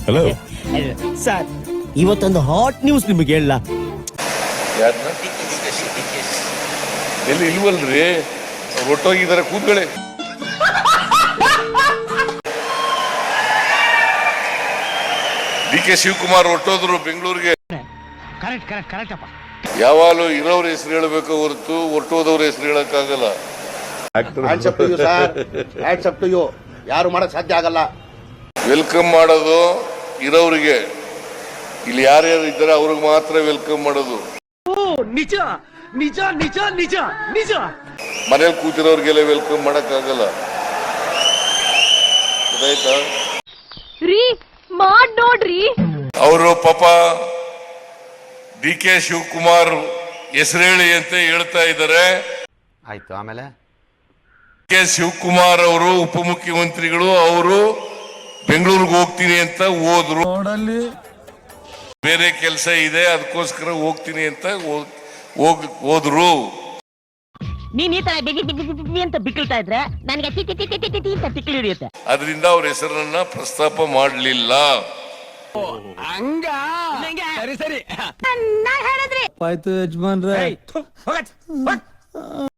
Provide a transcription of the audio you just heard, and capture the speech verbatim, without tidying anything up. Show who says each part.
Speaker 1: Hello
Speaker 2: sir, ಇವತ್ತೊಂದು hot news ನಿಮಗೆ ಹೇಳ.
Speaker 1: ಎಲ್ಲಿ ಇಲ್ವಲ್ರಿ, ಒಟ್ಟೋಗಿದ್ದಾರೆ, ಕೂತ್ಕೊಳ್ಳಿ. ಡಿ ಕೆ ಶಿವಕುಮಾರ್ ಹೊರಟೋದ್ರು ಬೆಂಗಳೂರಿಗೆ. ಯಾವಾಗಲೂ ಇರೋರ ಹೆಸರು ಹೇಳಬೇಕು ಹೊರತು ಹೊರಟೋದವ್ರ ಹೆಸರು ಹೇಳಕ್ಕಾಗಲ್ಲ.
Speaker 3: ಯಾರು ಮಾಡಕ್ ಸಾಧ್ಯ ಆಗಲ್ಲ.
Speaker 1: ವೆಲ್ಕಮ್ ಮಾಡೋದು ಇರೋರಿಗೆ, ಇಲ್ಲಿ ಯಾರ್ಯಾರು ಇದ್ದಾರೆ ಅವ್ರಿಗೆ ಮಾತ್ರ ವೆಲ್ಕಮ್ ಮಾಡೋದು.
Speaker 2: ನಿಜ ನಿಜ ನಿಜ ನಿಜ ನಿಜ.
Speaker 1: ಮನೇಲಿ ಕೂತಿರೋರ್ಗೆಲ್ಲ ವೆಲ್ಕಮ್ ಮಾಡಕ್ ಆಗಲ್ಲ. ಗೊತ್ತಾಯ್ತಾ?
Speaker 4: ಮಾಡ್ ನೋಡ್ರಿ.
Speaker 1: ಅವರು ಪಾಪ ಡಿ ಕೆ ಶಿವಕುಮಾರ್ ಹೆಸರೇಳಿ ಅಂತ ಹೇಳ್ತಾ ಇದ್ದಾರೆ.
Speaker 3: ಆಯ್ತು, ಆಮೇಲೆ
Speaker 1: ಕೆ ಶಿವಕುಮಾರ್ ಅವರು ಉಪಮುಖ್ಯಮಂತ್ರಿಗಳು, ಅವರು ಬೆಂಗಳೂರಿಗೆ ಹೋಗ್ತೀನಿ ಅಂತ ಹೋದ್ರು. ಬೇರೆ ಕೆಲಸ ಇದೆ, ಅದಕ್ಕೋಸ್ಕರ ಹೋಗ್ತೀನಿ ಅಂತ ಹೋಗ್ ಹೋದ್ರು.
Speaker 4: ನೀನ್ ಈ ತರ ಬಿಗಿ ಬಿಗಿ ಬಿಗಿ ಅಂತ ಬಿಕ್ಕಳ್ತಾ ಇದ್ರೆ ನನಗೆ ಟಿ ಟಿ ಟಿ ಟಿ ಟಿ ಅಂತ ತಿಕ್ಕಲಿ ಹಿಡಿಯುತ್ತೆ.
Speaker 1: ಅದರಿಂದ ಅವ್ರ ಹೆಸರನ್ನ ಪ್ರಸ್ತಾಪ ಮಾಡಲಿಲ್ಲ.
Speaker 2: ಹಂಗ ಸರಿ ಸರಿ
Speaker 4: ನಾ ಹೇಳಿದ್ರಿ
Speaker 2: ಆಯ್ತು ಯಜಮಾನ್ರೆ.